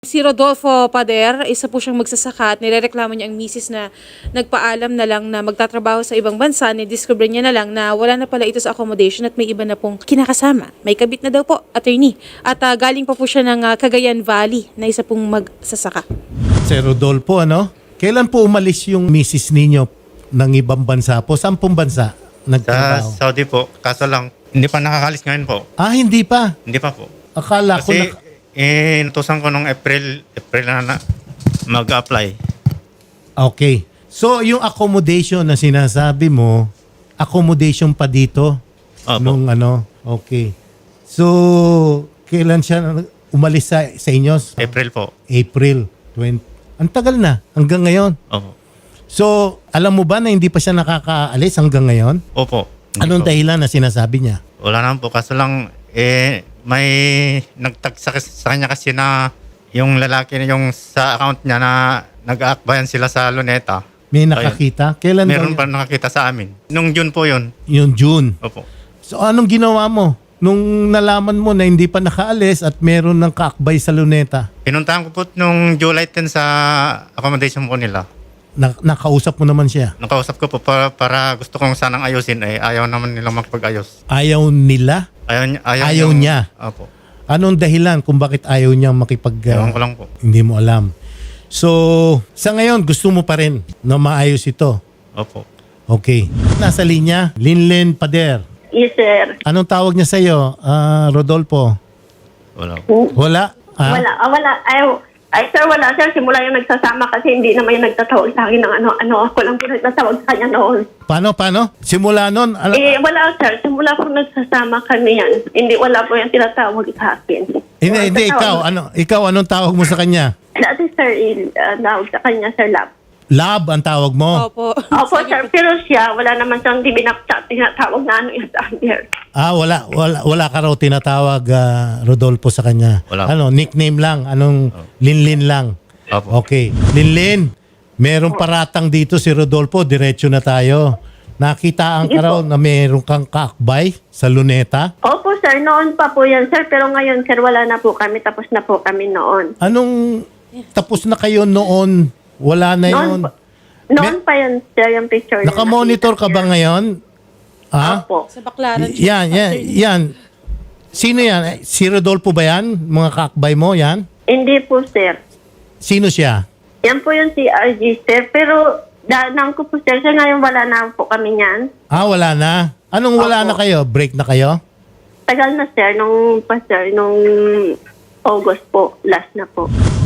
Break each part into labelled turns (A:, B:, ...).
A: Si Rodolfo Pader, isa po siyang magsasaka at nirereklamo niya ang misis na nagpaalam na lang na magtatrabaho sa ibang bansa. Nidiscover niya na lang na wala na pala ito sa accommodation at may iba na pong kinakasama. May kabit na daw po, attorney. At galing pa po siya ng Cagayan Valley na isa pong magsasaka.
B: Sir Rodolfo, ano? Kailan po umalis yung misis ninyo ng ibang bansa po? Saan pong bansa
C: Sa
B: nagtrabaho?
C: Saudi po. Kaso lang, hindi pa nakakalis ngayon po.
B: Hindi pa.
C: Hindi pa po.
B: Akala ko
C: Kasi inutusan ko nung April na mag-apply.
B: Okay. So, yung accommodation na sinasabi mo, accommodation pa dito?
C: Opo.
B: Nung ano? Okay. So, kailan siya umalis sa inyo?
C: April po.
B: April 20. Ang tagal na. Hanggang ngayon.
C: Opo.
B: So, alam mo ba na hindi pa siya nakakaalis hanggang ngayon?
C: Opo. Hindi
B: Anong
C: po.
B: dahilan na sinasabi niya?
C: Wala naman po. Kaso lang, may nagtag sa kanya kasi na yung lalaki na yung sa account niya na nag-aakbayan sila sa Luneta.
B: May nakakita? Kailan
C: Meron
B: daw
C: pa nakakita sa amin. Nung June po yun.
B: yung June?
C: Opo.
B: So, anong ginawa mo? Nung nalaman mo na hindi pa nakaalis at meron ng kaakbay sa Luneta,
C: Pinuntahan ko po nung July 10 sa accommodation po nila.
B: nakausap mo naman siya.
C: Nakausap ko po para gusto kong sanang ayusin. Ayaw naman nilang makipag-ayos.
B: Ayaw nila? Ayaw niya?
C: Opo.
B: Anong dahilan kung bakit ayaw niya makipag...
C: Ewan ko lang po.
B: hindi mo alam. So, sa ngayon, gusto mo pa rin na maayos ito?
C: Opo.
B: Okay. Nasa linya, Linlen Pader.
D: Yes, sir.
B: Anong tawag niya sa'yo, Rodolfo?
C: Wala po.
B: Wala? Ah?
D: Wala. Ay, sir, wala, sir. Simula yung nagsasama kasi hindi naman yung nagtatawag sa akin ng ano. Ako lang po nagtatawag sa kanya noon.
B: Paano? Simula nun?
D: Wala, sir. Simula po nagsasama kami yan. Hindi, wala po yung tinatawag sa akin.
B: Hindi, ikaw, anong tawag mo sa kanya?
D: Dati, sir, tawag sa kanya, sir, love.
B: Love ang tawag mo?
A: Opo.
D: Opo, sir. Pero siya, wala naman siyang tinatawag na ano yung sa akin.
B: Wala ka raw tinatawag, Rodolfo, sa kanya.
C: Wala.
B: Ano, nickname lang? Anong Linlin lang?
C: Opo.
B: Okay. Linlin, merong paratang dito si Rodolfo. Diretso na tayo. Nakitaan ka
D: Sige
B: raw
D: po.
B: na meron kang kaakbay sa Luneta?
D: Opo, sir. Noon pa po yan, sir. Pero ngayon, sir, wala na po kami. Tapos na po kami noon.
B: Anong tapos na kayo noon? Wala na yun?
D: Noon pa yan, sir, yung picture. na
B: Nakamonitor ka
D: nakita,
B: ba
D: sir.
B: ngayon? Ha?
D: Opo.
A: Sa Baclaran.
B: Yan. Sino yan? Si Rodolfo ba yan? Mga kaakbay mo, yan?
D: Hindi po, sir.
B: Sino siya?
D: Yan po yung CRG, sir. Pero, danang ko po, sir. Sir, ngayon wala na po kami niyan.
B: Wala na. Anong wala
D: Opo.
B: na kayo? Break na kayo?
D: Tagal na, sir. Nung August po. Last na po.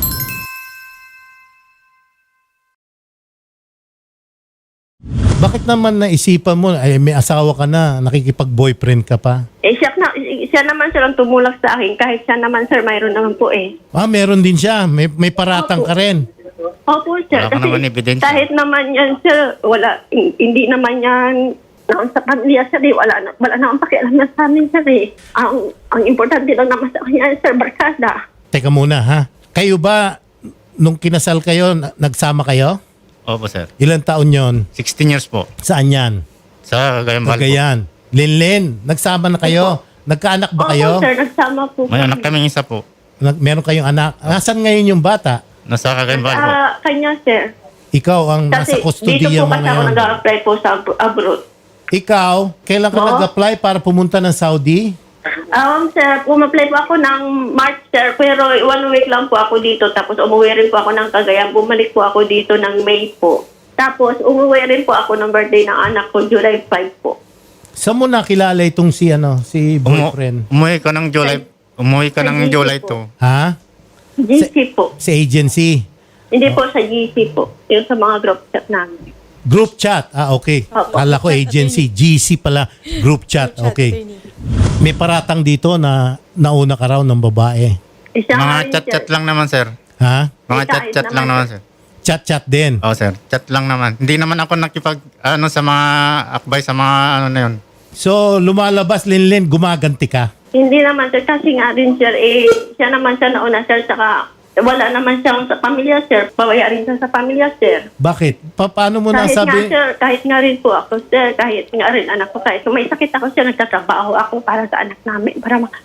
B: Bakit naman naisipan mo, ay may asawa ka na, nakikipag-boyfriend ka pa?
D: Siya naman, sir, ang tumulak sa akin. Kahit siya naman, sir, mayroon naman po eh.
B: Meron din siya. May paratang
D: Opo.
B: ka rin.
D: Opo, sir.
C: Wala ka naman ebidensya.
D: Kahit naman yan, sir, hindi naman yan noon sa pamilya, sir, wala naman pakialam na sa amin, sir, eh. Ang importante lang naman sa kanya, sir, barkada.
B: Teka muna, ha? Kayo ba, nung kinasal kayo, nagsama kayo?
C: Opo, sir.
B: Ilang taon yon?
C: 16 years po.
B: Saan yan?
C: Sa Cagayan Valley po.
B: Cagayan. Linlin, nagsama na kayo? Nagkaanak ba kayo?
D: Opo, sir, nagsama po.
C: May anak kaming isa po.
B: Meron kayong anak? Nasaan ngayon yung bata?
C: Nasa Cagayan Valley po.
D: Kanya, sir.
B: Ikaw ang nasa
D: Kasi
B: kustodiya
D: dito po
B: mo
D: kasi ako
B: ngayon.
D: nag-apply po sa abroad.
B: Ikaw, kailan ka
D: Oo.
B: nag-apply para pumunta ng Saudi?
D: Sir, umapply po ako ng March, sir, pero 1 week lang po ako dito. Tapos umuwi rin po ako ng Cagayan. Bumalik po ako dito ng May po. Tapos umuwi rin po ako ng birthday ng anak ko, July 5 po.
B: Saan mo nakilala itong si boyfriend?
C: Umuwi ka ng July. Umuwi ka ng
D: Sa
C: July
D: GC po.
C: 2.
B: Ha?
D: GC po.
B: Sa agency?
D: Hindi po sa GC po. Yung sa mga group chat namin.
B: Group chat? Okay.
D: Opo.
B: Kala ko agency. GC pala. Group chat. Okay. May paratang dito na nauna ka raw ng babae.
D: Isa nga
C: Mga
D: rin,
C: chat-chat
D: sir.
C: lang naman, sir.
B: Ha?
C: Mga
D: May
C: chat-chat
D: kahit
C: lang
D: naman,
C: naman, sir.
B: Chat-chat din.
C: Oo, sir. Chat lang naman. Hindi naman ako sa mga akbay sa mga na yun.
B: So, lumalabas, Linlin, gumaganti ka.
D: Hindi naman, sir. Kasi nga rin, sir, siya naman siya nauna, sir. Saka wala naman siyang sa pamilya, sir. Pawaya rin siya sa pamilya, sir.
B: Bakit? Paano mo
D: Kahit nga,
B: nasabi?
D: sir, kahit nga rin po ako, sir, kahit nga rin anak ko, kahit may sakit ako, sir, nagtatrabaho ako para sa anak namin, para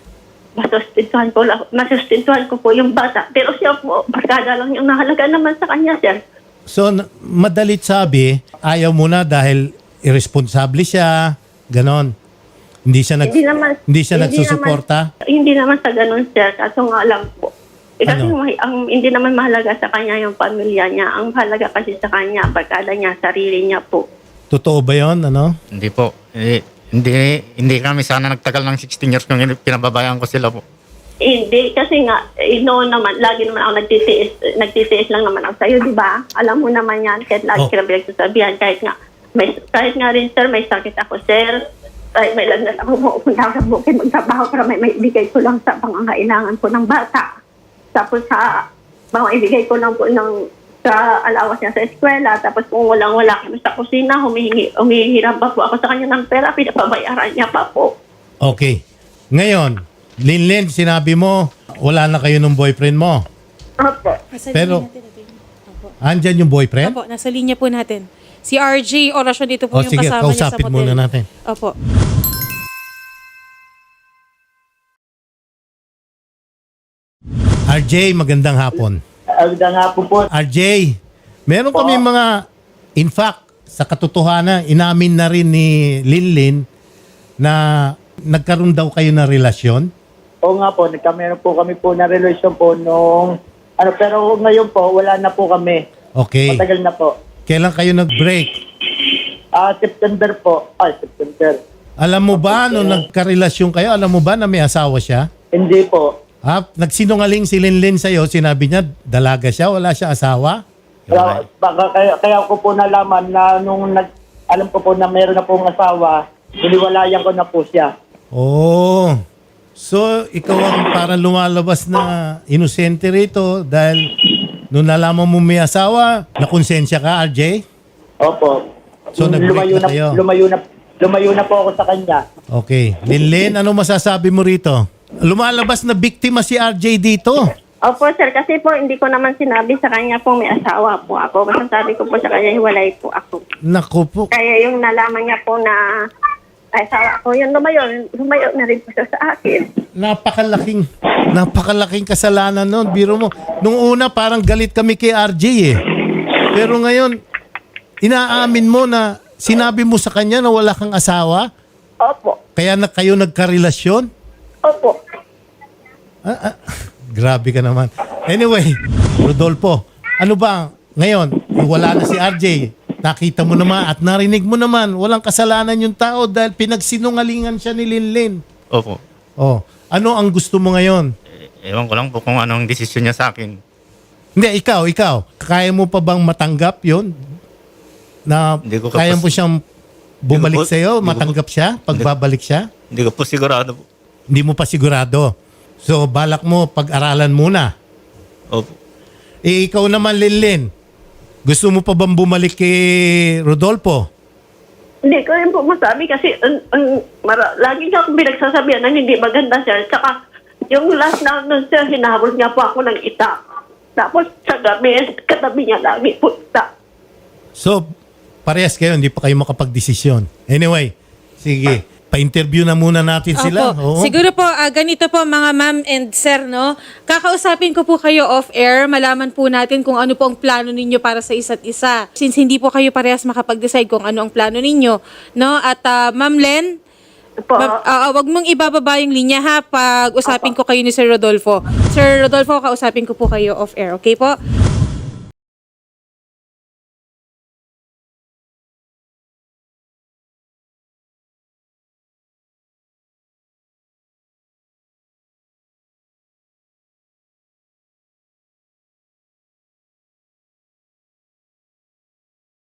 D: masustentuhan ko po yung bata. Pero siya po, barkada lang yung nahalaga naman sa kanya, sir.
B: So, madalit sabi, ayaw mo na dahil irresponsible siya, ganon. Hindi siya nagsusuporta?
D: Hindi naman sa ganun, sir. Kaso nga lang po. Kasi
B: Ano?
D: hindi naman mahalaga sa kanya yung pamilya niya. Ang mahalaga kasi sa kanya, barkada niya, sarili niya po.
B: Totoo ba yun? Ano?
C: Hindi po. Hindi kami sana nagtagal ng 16 years kung pinababayaan ko sila po.
D: Hindi, kasi nga, noon naman, lagi naman ako nagtitiis lang naman ako sa'yo, di ba? Alam mo naman yan, kahit lagi ka na pinagsasabihan, kahit nga rin, sir, may sakit ako, sir. Ay, may lagnat ako, pupunta sa bukid, magtrabaho para may ibigay ko lang sa pangangailangan ko ng bata. Tapos ibigay ko lang po sa alawas niya sa eskwela. Tapos kung wala kami sa kusina, humihiram pa po ako sa kanya ng pera, pinapabayaran niya pa po.
B: Okay. Ngayon, Linlin, sinabi mo, wala na kayo ng boyfriend mo.
D: Opo.
B: Pero, andyan yung boyfriend?
A: Opo, nasa linya po natin. Si RJ, orasyon dito po
B: O
A: yung
B: sige,
A: kasama niya sa
B: kausapin
A: motel.
B: muna natin.
A: Opo.
B: RJ, magandang hapon.
E: Agda nga po.
B: RJ, meron kami mga, in fact, sa katotohanan, inamin na rin ni Linlin na nagkaroon daw kayo ng relasyon.
E: Oo nga po, nagkameron po kami po na relasyon po nung, pero ngayon po, wala na po kami.
B: Okay.
E: Matagal na po.
B: Kailan kayo nag-break?
E: September po. September.
B: Alam mo ba, nung nagkarelasyon kayo, alam mo ba na may asawa siya?
E: Hindi po.
B: Nagsinungaling si Linlin sa'yo, sinabi niya, dalaga siya, wala siya asawa?
E: Kaya ko po nalaman na nung alam ko po na meron na pong asawa, hiniwalayan ko na po siya.
B: Oh. So, ikaw ang parang lumalabas na inosente rito dahil nung nalaman mo may asawa, nakonsensya ka, RJ?
E: Opo.
B: So, nag-break na kayo?
E: Lumayo na po ako sa kanya.
B: Okay. Linlin, ano masasabi mo rito? Lumalabas na biktima si RJ dito.
D: Opo, sir, kasi po hindi ko naman sinabi sa kanya po may asawa po ako. Kasi sabi ko po sa kanya, hiwalay po ako.
B: Naku po.
D: Kaya yung nalaman niya po na asawa ko, yun lumayo na rin po siya sa akin.
B: Napakalaking kasalanan nun. Biro mo, nung una parang galit kami kay RJ eh. Pero ngayon, inaamin mo na sinabi mo sa kanya na wala kang asawa?
D: Opo.
B: Kaya kayo nagkarelasyon?
D: Opo.
B: Grabe ka naman. Anyway, Rodolfo, ano ba ngayon? Wala na si RJ. Nakita mo naman at narinig mo naman, walang kasalanan yung tao dahil pinagsinungalingan siya ni Linlin.
C: Opo.
B: Oh, ano ang gusto mo ngayon?
C: Ewan ko lang po kung anong desisyon niya sa akin.
B: Hindi, ikaw. Kaya mo pa bang matanggap yon? Na
C: Hindi ko
B: kaya mo siyang bumalik
C: Hindi ko po-
B: sa'yo,
C: hindi ko
B: matanggap
C: po-
B: siya, pagbabalik siya?
C: Hindi ko po sigurado po.
B: Hindi mo pa sigurado. So, balak mo, pag-aralan muna.
C: Opo.
B: Ikaw naman, Linlin. Gusto mo pa bang bumalik kay Rodolfo?
D: Hindi ko rin po masabi kasi lagi niya akong pinagsasabihan na hindi maganda, sir. Tsaka yung last na nun, sir, hinahabol niya po ako ng itak. Tapos sa gabi, katabi niya lagi po itak.
B: So, parehas kayo, hindi pa kayo makapag-desisyon. Anyway, sige. Pa-interview na muna natin sila. Oo.
A: Siguro po, ganito po mga ma'am and sir, no? Kakausapin ko po kayo off-air, malaman po natin kung ano po ang plano ninyo para sa isa't isa. Since hindi po kayo parehas makapag-decide kung ano ang plano ninyo, no? At Ma'am Len,
D: Po.
A: wag mong ibababa yung linya ha, pag usapin ko kayo ni Sir Rodolfo. Sir Rodolfo, kausapin ko po kayo off-air, okay po?